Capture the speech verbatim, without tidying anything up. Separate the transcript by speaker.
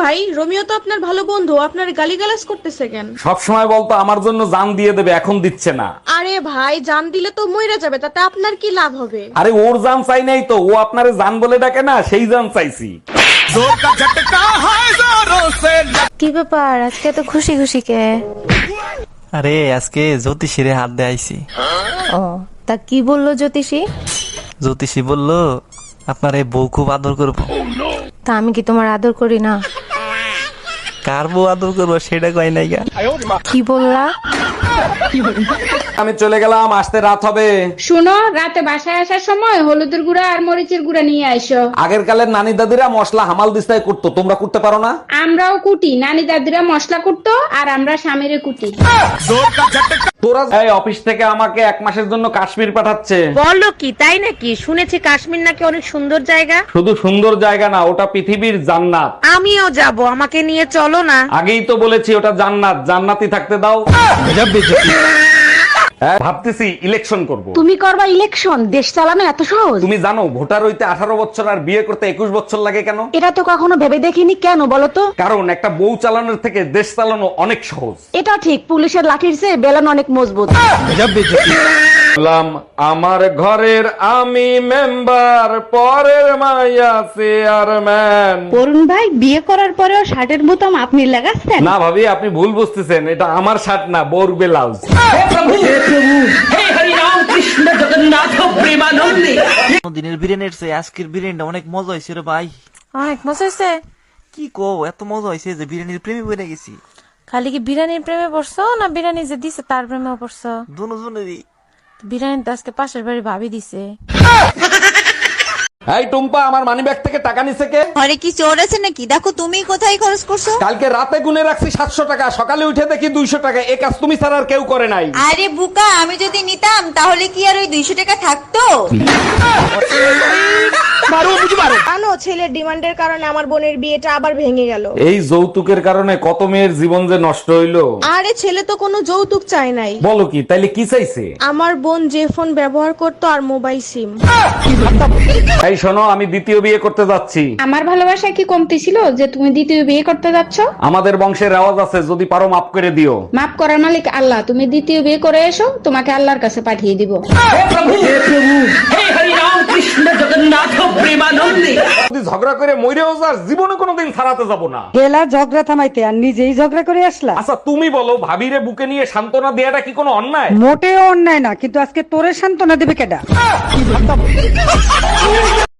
Speaker 1: ভাই, রোমিও তো আপনার ভালো বন্ধু, আপনার গালিগালাজ করতেছে কেন?
Speaker 2: সব সময় বলতো আমার জন্য জান দিয়ে দেবে, এখন দিচ্ছে না।
Speaker 1: আরে ভাই, জান দিলে তো মইরা যাবে, তাতে আপনার কি লাভ হবে?
Speaker 2: আরে ওর জান চাই নাই তো, ও আপনারে জান বলে ডাকে না, সেই জান চাইছি।
Speaker 3: কি ব্যাপার, আজকে তো খুশি খুশি কে?
Speaker 4: আরে আজকে জ্যোতিষীরে হাত দিয়ে আইছি।
Speaker 3: ও, তা কি বললো জ্যোতিষী?
Speaker 4: জ্যোতিষী বললো আপনার এই বউ খুব আদর করবো।
Speaker 3: তা আমি কি তোমার আদর করি না?
Speaker 4: কার বউ আদর করবো সেটা কয় নাই গা।
Speaker 3: কি বললা?
Speaker 2: আমি চলে গেলাম, আসতে রাত হবে।
Speaker 5: শুনো, রাতে বাসায় আসার সময় হলুদের গুঁড়া আর মরিচের গুঁড়া নিয়ে আইসো।
Speaker 2: আগের কালের নানি দাদিরা মশলা হামাল দিস্তায় করতো, তোমরা করতে পারো না?
Speaker 5: আমরাও কুটি, নানি দাদিরা মশলা কুটতো আর আমরা স্বামীরে কুটি।
Speaker 2: তোরা এই অফিস থেকে আমাকে এক মাসের জন্য কাশ্মীর পাঠাচ্ছে।
Speaker 6: বলো কি, তাই নাকি? শুনেছি কাশ্মীর নাকি অনেক সুন্দর জায়গা।
Speaker 2: শুধু সুন্দর জায়গা না, ওটা পৃথিবীর জান্নাত।
Speaker 6: আমিও যাব, আমাকে নিয়ে চলো না।
Speaker 2: আগেই তো বলেছি ওটা জান্নাত, জান্নাতি থাকতে দাও। হ্যাঁ, ভাবতেছি ইলেকশন করব।
Speaker 1: তুমি করবা ইলেকশন? দেশ চালানো এত সহজ?
Speaker 2: তুমি জানো ভোটার হইতে আঠারো বছর আর বিয়ে করতে একুশ বছর লাগে কেন?
Speaker 1: এটা তো কখনো ভেবে দেখিনি, কেন বলো তো?
Speaker 2: কারণ একটা বউ চালানোর থেকে দেশ চালানো অনেক সহজ।
Speaker 1: এটা ঠিক, পুলিশের লাঠির চেয়ে বেলন অনেক মজবুত।
Speaker 2: বললাম আমার ঘরের আমি মেম্বার, পরের মাইয়া চেয়ারম্যান।
Speaker 7: অরুণ ভাই, বিয়ে করার পরেও শার্টের বোতাম আপনি লাগাচ্ছেন?
Speaker 2: না ভাবি, আপনি ভুল বুঝতেছেন, এটা আমার শার্ট না, বোর ব্লাউজ।
Speaker 4: দিনের বিরিয়ানির চেয়ে আজকের বিরিয়ানিটা অনেক মজা হয়েছে রে ভাই।
Speaker 3: অনেক মজা হয়েছে।
Speaker 4: কি কো, এত মজা হয়েছে যে বিরিয়ানির প্রেমে পড়ে গেছি।
Speaker 3: খালি কি বিরিয়ানির প্রেমে পড়ছো, না বিরিয়ানি যে দিছে তার প্রেমেও পড়ছো?
Speaker 4: দুজনেরই।
Speaker 3: বিরিয়ানি তো আজকে পাশের বাড়ি ভাবি দিছে।
Speaker 2: এই টুম্পা, আমার মানি ব্যাগ থেকে টাকা নিছে কে?
Speaker 8: ঘরে কি চোর আছে নাকি? দেখো তুমি কোথায় খরচ করছো।
Speaker 2: কালকে রাতে গুনে রাখছি সাতশো টাকা, সকালে উঠে দেখি দুইশো টাকা। এ কাজ তুমি ছাড়া আর কেউ করে নাই।
Speaker 8: আরে বুকা, আমি যদি নিতাম তাহলে কি আর ওই দুইশো টাকা থাকতো?
Speaker 1: জানো, ছেলের ডিমান্ডের কারণে আমার বোনের বিয়েটা আবার ভেঙে গেল।
Speaker 2: এই যৌতুকের কারণে কত মেয়ের জীবন যে নষ্ট হইলো।
Speaker 1: আরে ছেলে তো কোনো যৌতুক চায় নাই।
Speaker 2: বলো কি, তাইলে কি চাইছে?
Speaker 1: আমার বোন যে ফোন ব্যবহার করতো আর মোবাইল সিম।
Speaker 2: এই শোনো, আমি দ্বিতীয় বিয়ে করতে যাচ্ছি।
Speaker 5: আমার ভালোবাসা কি কমতি ছিল যে তুমি দ্বিতীয় বিয়ে করতে যাচ্ছ?
Speaker 2: আমাদের বংশের রেওয়াজ আছে, যদি পারো মাফ করে দিও।
Speaker 5: মাফ করার মালিক আল্লাহ, তুমি দ্বিতীয় বিয়ে করে এসো, তোমাকে আল্লাহর কাছে পাঠিয়ে দিব।
Speaker 2: যদি ঝগড়া করে মইরেও যাস, জীবনে কোনোদিন ছাড়াতে যাব না।
Speaker 7: গেলা ঝগড়া থামাইতে আর নিজেই ঝগড়া করে আসলা।
Speaker 2: আচ্ছা তুমি বলো, ভাবিরে বুকে নিয়ে সান্ত্বনা দেয়াটা কি কোনো অন্যায়?
Speaker 7: মোটেও অন্যায় না, কিন্তু আজকে তোরে সান্ত্বনা দেবে কেডা?